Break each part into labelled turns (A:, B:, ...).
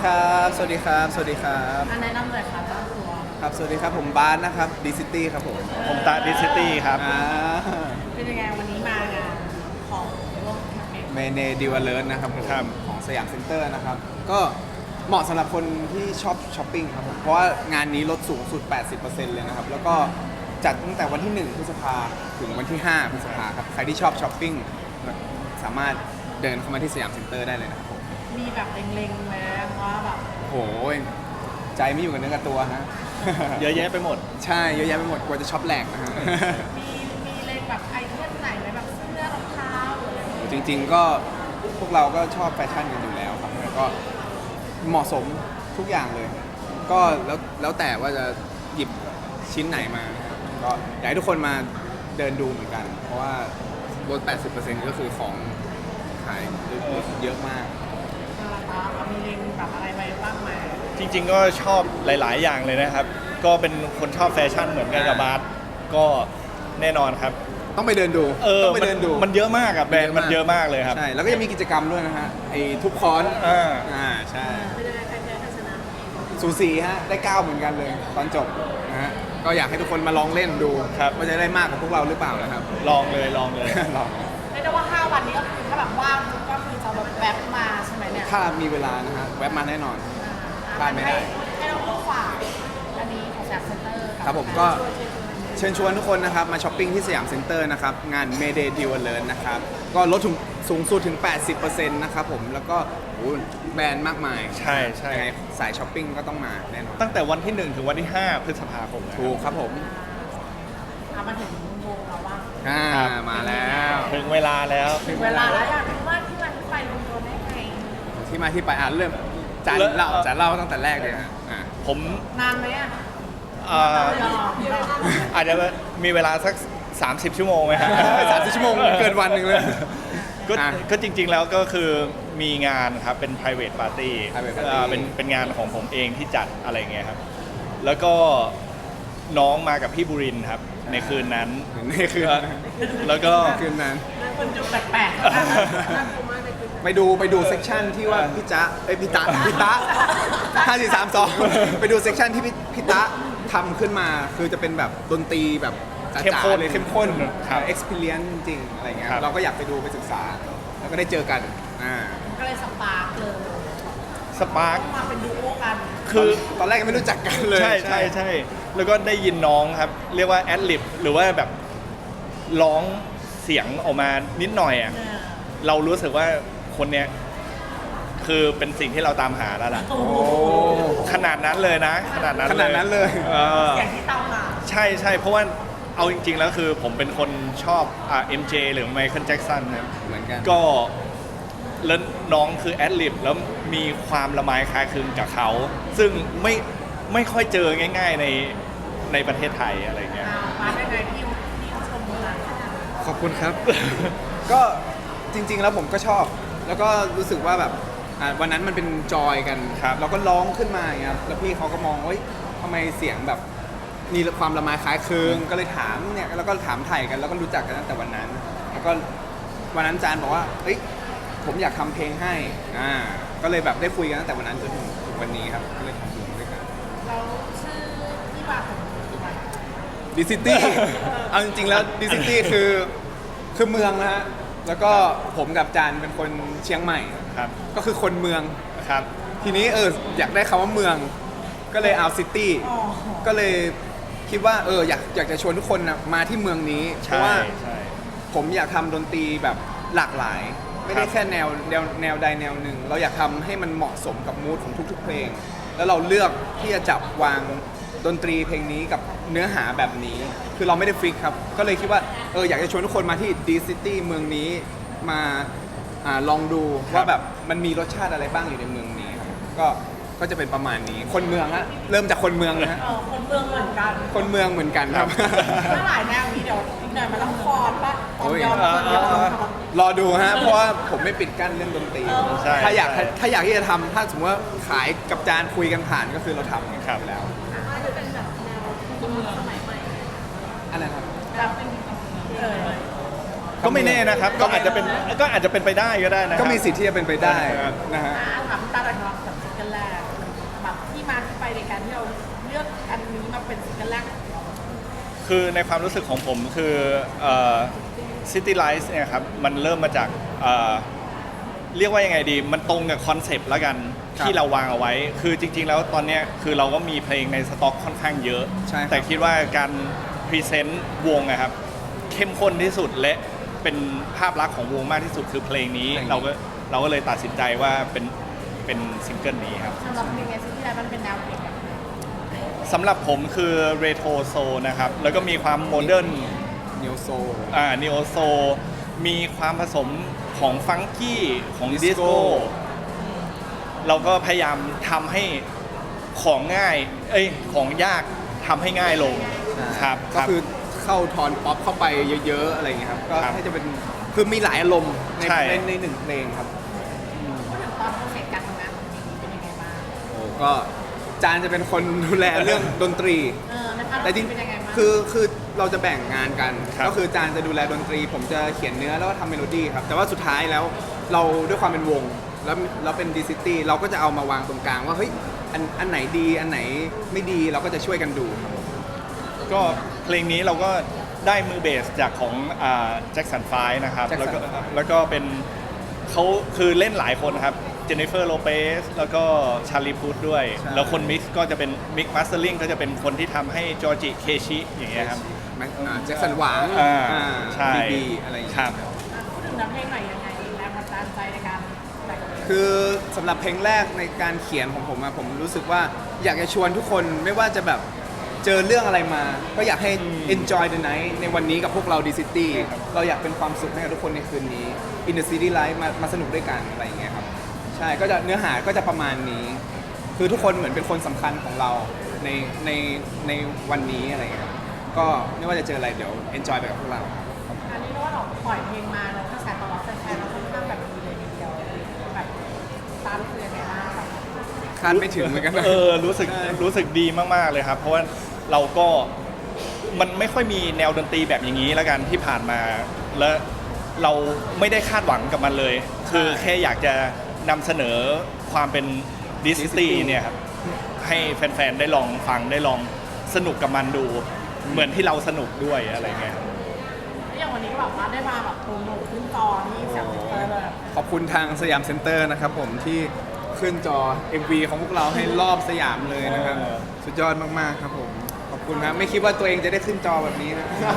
A: ครับสวัสดีครับสวัสดีครับ
B: แนะนำเลยค่ะตั้งตัว
A: ครับสวัสดีครับผมบาสนะครับดีซิตี้ครับผม
C: ผมตาดิซิตี้ครับ
B: เป็นยังไงวันนี้มางานของร่วมแคมเปญ
A: เมเนดิวเลิร์นะครับผม
C: ครับ
A: ของสยามเซ็นเตอร์นะครับก็เหมาะสำหรับคนที่ชอบช้อปปิ้งครับผมเพราะว่างานนี้ลดสูงสุด 80% เลยนะครับแล้วก็จัดตั้งแต่วันที่ 1 พฤษภาถึงวันที่ 5 พฤษภาครับใครที่ชอบช้อปปิ้งสามารถเดินเข้ามาที่สยามเซ็นเตอร์ได้เลยนะครับผม
B: มีแบบเล็งๆไหมว่าแบบ
A: โหใจไม่อยู่กับเนื้อกับตัวฮะ
C: เยอะแยะไปหมด
A: ใช่เยอะแยะไปหมดกลัวจะช็อปแหลกนะฮะ
B: มีเล็งแบบไอเทมไหนไหมแบบเสื้อรองเท้าหรืออะไรอย่างเงี้ย
A: จริงๆก็พวกเราก็ชอบแฟชั่นกันอยู่แล้วครับแล้วก็เหมาะสมทุกอย่างเลย ก็แล้วแต่ว่าจะหยิบชิ้นไหนมานะครับก็อยากให้ทุกคนมาเดินดูเหมือนกัน เพราะว่าลด 80% ก็คือของขายเยอะมาก
B: เรามีเล็งแบบอะไรไปบ้างไหม
C: จริงๆก็ชอบหลายๆ อย่างเลยนะครับ ก็เป็นคนชอบแฟชั่นเหมือนกันกับบาสก็แน่นอนครับ
A: ต้องไปเดินดูต้องไปเดินดู
C: มันเยอะมากอะแบรนด์มันเยอะมากเลยครับ
A: ใช่แล้วก็ยังมีกิจกรรมด้วยนะฮะไอ้ทุบคอนใช่
B: เป็นยังไงใครแพ้ใครชนะ
A: สูสีฮะได้9เหมือนกันเลยตอนจบนะฮะก็อยากให้ทุกคนมาลองเล่นดู
C: ครับ
A: ว่าจะได้มากกว่าพวกเราหรือเปล่านะครับ
C: ลองเลย
A: ลอง
B: เรียกได้ว่า 5 วันนี้ก็คือถ้าแบบว่างก็คือจะแบบแวบมาใช่ไหมเนี่ย
A: ถ้ามีเวลานะฮะแวะมาแน่นอน พลาดไม่ได้
B: ให้เราผู้ฝากอันนี้ของสยามเซ็นเตอร์
A: ครับผมก็เชิญชวนทุกคนนะครับมาช้อปปิ้งที่สยามเซ็นเตอร์นะครับงาน Mayday Deal Alert นะครับก็ลดถึงสูงสุดถึง 80% นะครับผมแล้วก็โอ้โหแบรนด์มากมาย
C: ใช่ใช่
A: ยังไงสายช้อปปิ้งก็ต้องมาแน่นอน
C: ตั้งแต่วันที่ 1 ถึงวันที่ 5 พฤษภาคมนะครับ
A: ถูกครับผม
B: มาถึงวงเราบ้าง
C: ครับ
A: มาแล้ว
C: ถึงเวลาแล้ว
B: ถึงเวลาแล้วอยากรู้ว่าที่มันไปรวมตัวได้ไง
A: ที่มาที่ไปเริ่มจานเล่าตั้งแต่แรกเลยฮะ
C: ผม
B: นานไหมอ่ะ
C: อาจจะมีเวลาสัก 30 ชั่วโมงไหมครับ
A: 30 ชั่วโมงเกินวันหนึ่งเลย
C: ก็จริงๆแล้วก็คือมีงานครับเป็น private party
A: private party
C: เป็นงานของผมเองที่จัดอะไรเงี้ยครับแล้วก็น้องมากับพี่บุรินทร์ครับในคืนนั้น
A: นี่คือ
C: แล้วก็
A: คืนนั้น
B: คนดูแปลกๆ
A: ไปดูเซกชันที่ว่าพี่จ๊ะพี่ตะ5432ไปดูเซกชันที่พี่ตะทำขึ้นมาคือจะเป็นแบบดนตรีแบบจ๋าๆเลยเข้มข้น
C: ครับ
A: experience จริงๆอะไรเงี้ย
C: ครับ
A: เราก็อยากไปดูไปศึกษา แล้วก็ได้เจอกัน
B: ก็เลยสปาร์กเลย
C: สปาร์ค
B: มาเป็นดูโอกัน
C: คือ
A: ตอนแรกยังไม่รู้จักกันเลย
C: ใช่แล้วก็ได้ยินน้องครับ เรียกว่าแอดลิบหรือว่าแบบร้องเสียงออกมานิดหน่อยอ่ะเรารู้สึกว่าคนเนี้ยคือเป็นสิ่งที่เราตามหาแล้วล่ะ
B: โอ้
A: โอ้
C: ขนาดนั้นเลยนะ ขนาดนั้นเลย
B: อย่างที่ตามหา
C: ใช่เพราะว่าเอาจริงๆแล้วคือผมเป็นคนชอบMJ หรือไมเคิลแจ็คสันครับ
A: เหมือนกัน
C: ก็แล้วน้องคือแอดลิบแล้วมีความละไมคล้ายคลึงกับเขา ซึ่งไม่ค่อยเจอง่าย ๆในประเทศไทยอะไรเงี้ย
B: มาได้ไงพี่ชมนะ
A: ขอบคุณครับ ก็จริงๆแล้วผมก็ชอบ แล้วก็รู้สึกว่าแบบวันนั้นมันเป็นจอยกัน
C: ครับ
A: เราก็ร้องขึ้นมาอย่างเงี้ยแล้วพี่เขาก็มองว่าทำไมเสียงแบบมีความละไมคล้ายคลึงก็เลยถามเนี่ยแล้วก็ถามไถ่กันแล้วก็รู้จักกันตั้งแต่วันนั้น แล้วก็วันนั้นจานบอกว่าเฮ้ยผมอยากทำเพลงให้ก็เลยแบบได้คุยกันตั้งแต่วันนั้นจนถึงวันนี้ครับก็เลยทำเพลงด้วยกัน
B: เราชื่อที่มาของตัว
A: ดิซิตี้ เอาจริงๆแล้วดิซิตี้คือเมืองนะฮะ แล้วก็ผมกับจานเป็นคนเชียงใหม่
C: ครับ
A: ก็คือคนเมือง
C: ครับ
A: ทีนี้อยากได้คำว่าเมือง ก็เลยเอาซิตี้ ก็เลยคิดว่าอยากจะชวนทุกคนนะมาที่เมืองนี้ เพราะว่า
C: ใช่
A: ผมอยากทำดนตรีแบบหลากหลาย ไม่ได้แค่แนวใดแนวหนึ่ง เราอยากทำให้มันเหมาะสมกับมูดของทุกๆเพลง แล้วเราเลือกที่จะจับวางดนตรีเพลงนี้กับเนื้อหาแบบนี้ คือเราไม่ได้ฟิกครับ ก็เลยคิดว่าอยากจะชวนทุกคนมาที่ดีซิตี้เมืองนี้มาลองดูว่าแบบมันมีรสชาติอะไรบ้างอยู่ในเมืองนี้ครับก็จะเป็นประมาณนี้ คนเมืองฮะเริ่มจากคนเมืองนะฮะ
B: คนเมืองเหมือนกัน
A: คนเมืองเหมือนกันครับ
B: ถ้าหลายแนวนี้เดี๋ยวอีกหน่อยมันต้องคอนปะตอนยอม
A: รอดูฮะเพราะว่าผมไม่ปิดกั้นเรื่องดนตรี
C: ใช่
A: ถ้าอยากที่จะทำถ้าสมมติว่าขายกับจานคุยกันผ่านก็คือเราทำ
C: ครับ
A: อยู่แล้ว
B: จะเป็นแบบแนวคนเมืองสมัยใหม่
A: อันนั้นครับ
B: แบบเป็น
C: ก็ไม่แน่นะครับ ก็อาจจะเป็นไปได้ก็ได้นะ
A: ก็มีสิทธิ์ที่จะเป็นไปได้นะฮะ
B: ถามตาแต่ของแบบซิงเกิลแรก
C: คือในความรู้สึกของผมคือCity Lights เนี่ยครับมันเริ่มมาจากเรียกว่ายังไงดีมันตรงกับคอนเซปต์แล้วกัน
A: ครับ
C: ที่เราวางเอาไว้ คือจริงๆแล้วตอนเนี้ยคือเราก็มีเพลงในสต็อกค่อนข้างเยอะ
A: ใช่ครับ
C: แต่คิดว่าการพรีเซนต์วงอะครับเข้มข้นที่สุดและเป็นภาพลักษณ์ของวงมากที่สุดคือเพลงนี้เราก็เลยตัดสินใจว่าเป็นซิงเกิลนี้ครับ
B: สำหรับเพลงซิตี้ไลท์มันเป็นแนวเพลงแบบไหน
C: สำหรับผมคือเรโทรโซนะครับแล้วก็มีความโมเดิร์น
A: นิวโซ
C: นิโอโซมีความผสมของฟังกี้ของ
A: ดิ
C: ดิ
A: ส
C: ส
A: โก้
C: โก้เราก็พยายามทำให้ของง่ายของยากทำให้ง่ายลงครับ
A: ก็คือเข้าทอนป๊อปเข้าไปเยอะๆอะไรอย่างเงี้ยครับก็
C: ครับ
A: ให้จะเป็นคือมีหลายอารมณ์ใน
C: ใช่
A: ในหนึ่งเพลงครับ
B: พูดถึงตอนโปรเซสการทำงานของเพลงนี้เป็นยังไงบ้าง
A: โอ้ก็จานจะเป็นคนดูแลเรื่องดนตรี
B: ในพาร์ท
A: แต่จริง
B: เป็นยังไงบ้าง
A: คือเราจะแบ่งงานกัน
C: ครับ
A: ก็คือจานจะดูแลดนตรี ผมจะเขียนเนื้อแล้วก็ทำเมโลดี้ครับ แต่ว่าสุดท้ายแล้วเราด้วยความเป็นวง แล้วเป็นดีซิตี้เราก็จะเอามาวางตรงกลางว่าเฮ้ยอันไหนดีอันไหนไม่ดีเราก็จะช่วยกันดูครับ
C: ก็เพลงนี้เราก็ได้มือเบสจากของแจ็คสันไฟนะครับ
A: Jackson
C: แล้วก็เป็นเขาคือเล่นหลายคนครับเจนนิเฟอร์โลเปสแล้วก็ชาลีพุทด้วย
A: ใช่
C: แล้วคนมิกซ์ก็จะเป็นมิกมาสเตอร์ลิงก็จะเป็นคนที่ทำให้จอร์จิเคชิอย่างเงี้ยครับ
A: แจ็คสันหวัง
C: ใช่
A: บีอะไรอย่าง
C: ค
A: เงี้ย
C: รับ
B: พูดถึงน้ำเพลงหน่อยยังไงแรงบันดาลใจในการแต่งเพลง
A: คือสำหรับเพลงแรกในการเขียนของผมอะผมรู้สึกว่าอยากจะชวนทุกคนไม่ว่าจะแบบเจอเรื่องอะไรมา ก็อยากให้ enjoy the night ในวันนี้กับพวกเรา D City เราอยากเป็นความสุขให้กับทุกคนในคืนนี้ In the City Life มาสนุกด้วยกันอะไรอย่างเงี้ยครับ ใช่ก็จะเนื้อหาก็จะประมาณนี้ คือทุกคนเหมือนเป็นคนสำคัญของเราในในในวันนี้อะไรอย่างเงี้ยครับก็ไม่ว่าจะเจออะไรเดี๋ยว enjoy ไปกับพวกเรา
B: อันนี้เรียกว่าเราปล่อยเพลงมาแล้วกระแสตอบรับแฟนๆเราค่อนข้างแบบดีเลยทีเดียวแบบตามรู้สึกยังไงบ้างแบบ
A: คาดไม่ถึงเหมือนกันนะ
C: รู้สึก
A: ใช่
C: รู้สึกดีมากๆเลยครับ เพราะว่าเราก็มันไม่ค่อยมีแนวดนตรีแบบอย่างนี้แล้วกันที่ผ่านมา และเราไม่ได้คาดหวังกับมันเลย คือแค่อยากจะนำเสนอความเป็นดิสตี้เนี่ยครับให้แฟนๆได้ลองฟังได้ลองสนุกกับมันดู เหมือนที่เราสนุกด้วยอะไรเงี้ย
B: แล้วอย่างวันนี้ก็แบบว่าได้มาแบบโปรโมทขึ้นจอที่แซมเซ็นเตอร์เลย
A: ขอบคุณทางสยามเซ็นเตอร์นะครับผมที่ขึ้นจอ MV ของพวกเราให้รอบสยามเลยนะครับ สุดยอดมาก ๆ ครับผม ขอบคุณครับไม่คิดว่าตัวเองจะได้ขึ้นจอแบบนี้นะ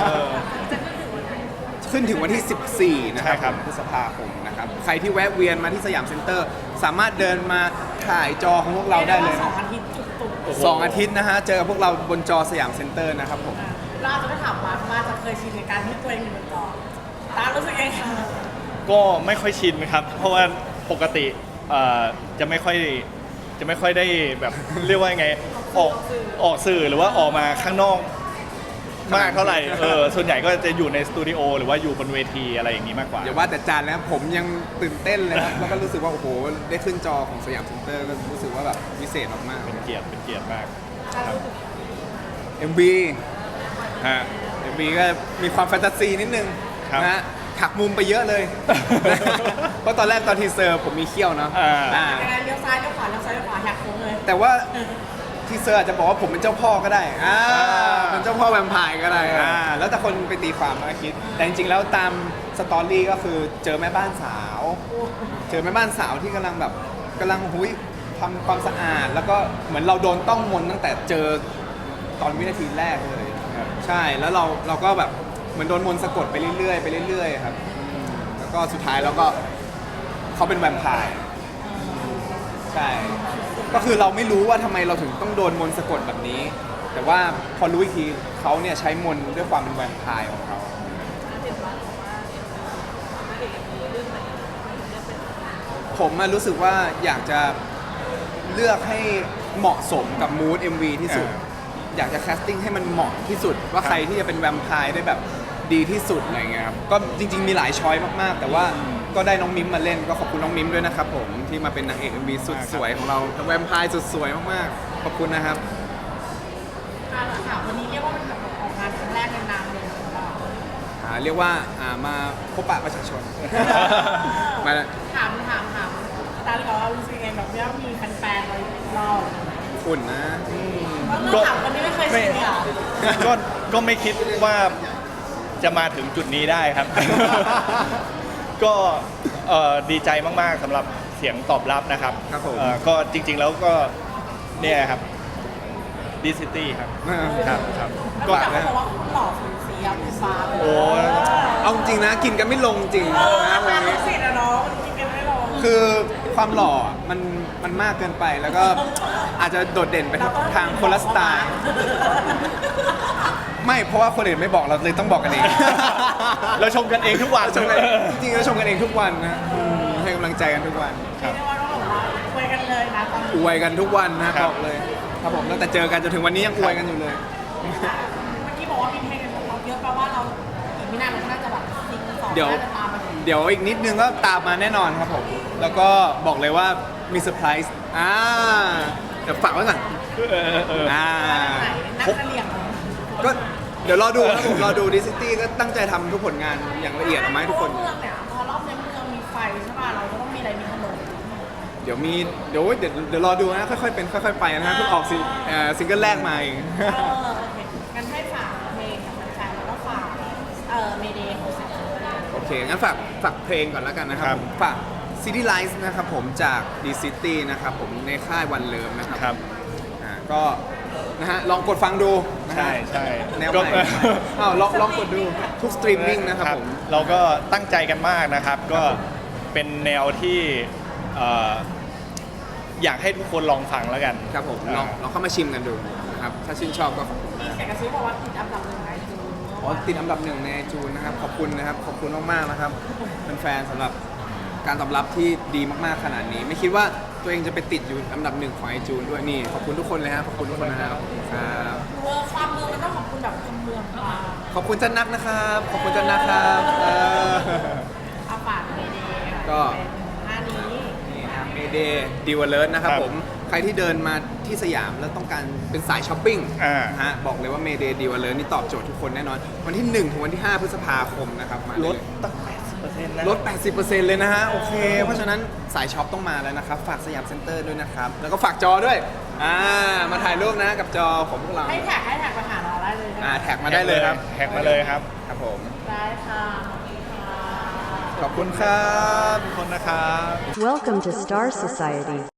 A: ขึ้นถึงวันที่ 14 นะค
C: ใช่
A: รับ
C: ครับ
A: พฤษภาคมนะครับ ใครที่แวะเวียนมาที่สยามเซ็นเตอร์ สามารถเดินมาถ่ายจอของพวกเราได้เลย
B: สองอาทิตย์จุก
A: สองอาทิตย์นะฮะ เจอกับพวกเราบนจอสยามเซ็นเตอร์นะครับผม
B: ๆเราอาจจะไม่ถามว่าจะเคยชินในการที่ตัวเองอยู่บนจอตารู้สึกยังไง
C: ก็ไม่ค่อยชินครับ เพราะว่าปกติจะไม่ค่อยได้แบบ เรียกว่ายังไงออกสื่อหรือว่าออกมาข้างนอกมากเท่าไหร่ส่วนใหญ่ก็จะอยู่ในสตูดิโอหรือว่าอยู่บนเวทีอะไรอย่างนี้มากกว่า
A: อย่าว่าแต่จานแล้วผมยังตื่นเต้นเลยครับ แล้วก็รู้สึกว่าโอ้โหได้ขึ้นจอของสยามเซ็นเตอร์ก็รู้สึกว่าแบบพิเศษมาก
C: เป็นเกียรติมาก
A: ๆ MV
C: ฮะ
A: MV ก็มีความแฟนตาซีนิดนึง
C: ครับ
A: นะฮะหักมุมไปเยอะเลย เพราะตอนแรกตอนทีเซอร์ผมมีเขี้ยวเนาะ
C: อ่า
B: ยังไงเลี้ยวซ้ายเลี้ยวขวาเลี้ยวซ้ายเลี้ยวขวาอยากโค้งเลย
A: แต่ว่าทีเซอร์อาจจะบอกว่าผมเป็นเจ้าพ่อก็ได้เป็นเจ้าพ่อแวมไพร์ก็ได้แล้วแต่คนไปตีความมาคิด แต่จริงๆแล้วตามสตอรี่ก็คือเจอแม่บ้านสาว เจอแม่บ้านสาวที่กำลังหุยทำความสะอาด แล้วก็เหมือนเราโดนต้องมนต์ตั้งแต่เจอตอนวินาทีแรกเลย
C: ครับ
A: ใช่แล้วเราก็แบบเหมือนโดนมนต์สะกดไปเรื่อยๆไปเรื่อยๆครับแล้วก็สุดท้ายแล้วก็เขาเป็นแวมไพร์ใช่ ก็คือเราไม่รู้ว่าทำไมเราถึงต้องโดนมนต์สะกดแบบนี้ แต่ว่าพอรู้อีกทีเขาเนี่ยใช้มนต์ด้วยความเป็นแวมไพร์ของเขา ผมรู้สึกว่าอยากจะเลือกให้เหมาะสมกับมูด MV ที่สุด อยากจะแคสติ้งให้มันเหมาะที่สุด ว่าใครที่จะเป็นแวมไพร์ได้แบบดีที่สุดอะไรเงี้ยครับก็จริงๆมีหลายช้อยมากๆ แต่ว่าก็ได้น้องมิมมาเล่นก็ขอบคุณน้องมิมด้วยนะครับผมที่มาเป็นนางเอก MV สุดสวยของเราแวมไพร์สุดสวยมากๆขอบคุณนะครับ
B: ถามวันนี้เรียกว่าเป็นแบบออกงานครั้งแรกในนามเลยของเรา
A: เรียกว่ามาพบปะประชาชน มา
B: ถามตาเลยบอกว่ารู้สึกยังไงแบบว่ามีแฟนๆเรารอบ
A: อุ่นนะ
B: ก็ถามคนที่ไม่เคยชินเนี่ย
C: ก็ก็ไม่คิดว่าจะมาถึงจุดนี้ได้ครับ ก็ดีใจมากๆสำหรับเสียงตอบรับนะครับ
A: ครับผม
C: ก็จริงๆแล้วก็เนี่ยครับดิซิตี้ครับ ครับครับ
B: ก็
C: ก็
B: แต่เขาบอกว่าคุณหล่อสูสีอะคุณฟ้า
C: โอ้
A: เอาจริงนะกินกันไม่ลงจริงนะวัน
B: ลู
A: นี้
B: กศิษย์อะเนาะมันกินกันไม่ลง
A: คือความหล่อมันมากเกินไปแล้วก็อาจจะโดดเด่นไปทางคนละสไตล์ไม่เพราะว่าคนอื่นไม่บอกเราเลยต้องบอกกันเอง
C: เราชมกันเองทุกวัน
A: ชมกันจริงๆเราชมกันเองทุกวันนะให้กำลังใจกันทุกวัน
C: ครับ
B: เรียกว่าต้องบอกว่าคุยกันเลยนะตอน
A: อ
B: นี้
A: วยกันทุกวันนะครับ บอกเลยครับผมตั้งแต่เจอกันจนถึงวันนี้ยังอวยกันอยู่เลย
B: เมื่อกี้บอกว่ามีเพลงกันเราเยอะแปลว่าเราอีกไม่นานเราก็น่าจะแบบซิงสอง
A: เดี๋ยว
B: น่าจะตามมาถึง
A: เดี๋ยวอีกนิดนึงก็ตามมาแน่นอนครับผม แล้วก็บอกเลยว่ามีเซอร์ไพรส์เดี๋ยวฝากไว้ก่อน
B: ไหนนักเรียน
A: ก็เดี๋ยวรอดูครับผมรอดูดิสตี้ก็ตั้งใจทำทุกผลงานอย่างละเอียดออกมาให้ทุกคน
B: เมืองเนี่ยพอรอบในเมืองมีไฟใช่ป่ะเราก็ต้องมีอะไรมีขนม
A: เดี๋ยวรอดูนะค่อยๆเป็นค่อยๆไปนะฮะเพิ่งออกซิงเกิลแรกมาเอง
B: โอเคงั้นให้ฝากเพลงกับแฟนๆแล้วก็ฝากเมเดย์ของแซม
A: โอเค งั้นฝากเพลงก่อนแล้วกันนะครับ
C: ครับ
A: ผมฝาก City Lights นะครับผมจาก D City นะครับผมในค่ายวันเลิมนะครับ
C: ครับ
A: ก็นะฮะลองกดฟังดูนะฮะ
C: ใช่ใช่
A: แนว
C: ก็
A: ใหม่อ้าวลองกดดูทุกสตรีมมิ่งนะครับผม
C: เราก็ตั้งใจกันมากนะครับ ก็เป็นแนวที่อยากให้ทุกคนลองฟังแล้วกัน
A: ครับผมลองเข้ามาชิมกันดูนะครับ ถ้าชื่นชอบก็ขอบคุณ
B: มี
A: มาก
B: เสียงกระซิบบอกว่าติดอันดับหนึ่งในจูน
A: อ๋อติดอันดับหนึ่งในจูนนะครับ ขอบคุณนะครับ ขอบคุณมากๆนะครับเป็นแฟนสำหรับการตอบรับที่ดีมากๆขนาดนี้ ไม่คิดว่าตัวเองจะไปติดอยู่อันดับหนึ่งของไอจูนด้วยนี่ขอบคุณทุกคนเลยครับขอบคุณทุกคนนะครับครับ
B: เมืองความเมืองมันต้องขอบคุณแบบคนเมืองมา
A: ขอบคุณจันนักนะครับ ขอบคุณจันนักครับ
B: อาฝากเมเดย์
A: ก็
B: เป็นท่านี้
A: นี่ครับเมเดย์ดิวเลอร์นะครับ
C: ครับ
A: ผมใครที่เดินมาที่สยามแล้วต้องการเป็นสายช้อปปิ้ง
C: อ่า
A: ฮะบอกเลยว่าเมเดย์ดิวเลอร์นี่ตอบโจทย์ทุกคนแน่นอน วันที่ 1 ถึงวันที่ 5 พฤษภาคมนะครับมา
C: ล
A: เล
C: ด
A: ย
C: ตั้ง 80%นะ
A: ลด 80%เลยนะฮะ โอเค เพราะฉะนั้นสายช็อปต้องมาแล้วนะครับ ฝากสยามเซ็นเตอร์ด้วยนะครับ แล้วก็ฝากจอด้วย มาถ่ายรูปนะกับจอของพวกเรา
B: ให้แท็กมาหาเราได้เลยนะ
A: แท็กมาได้เลยครับ
C: แท็กมาเลยครับ
A: ครับผม
B: ได้ค่ะ
A: ขอบคุณครับ
C: ขอบคุณนะครับ
D: Welcome to Star Society.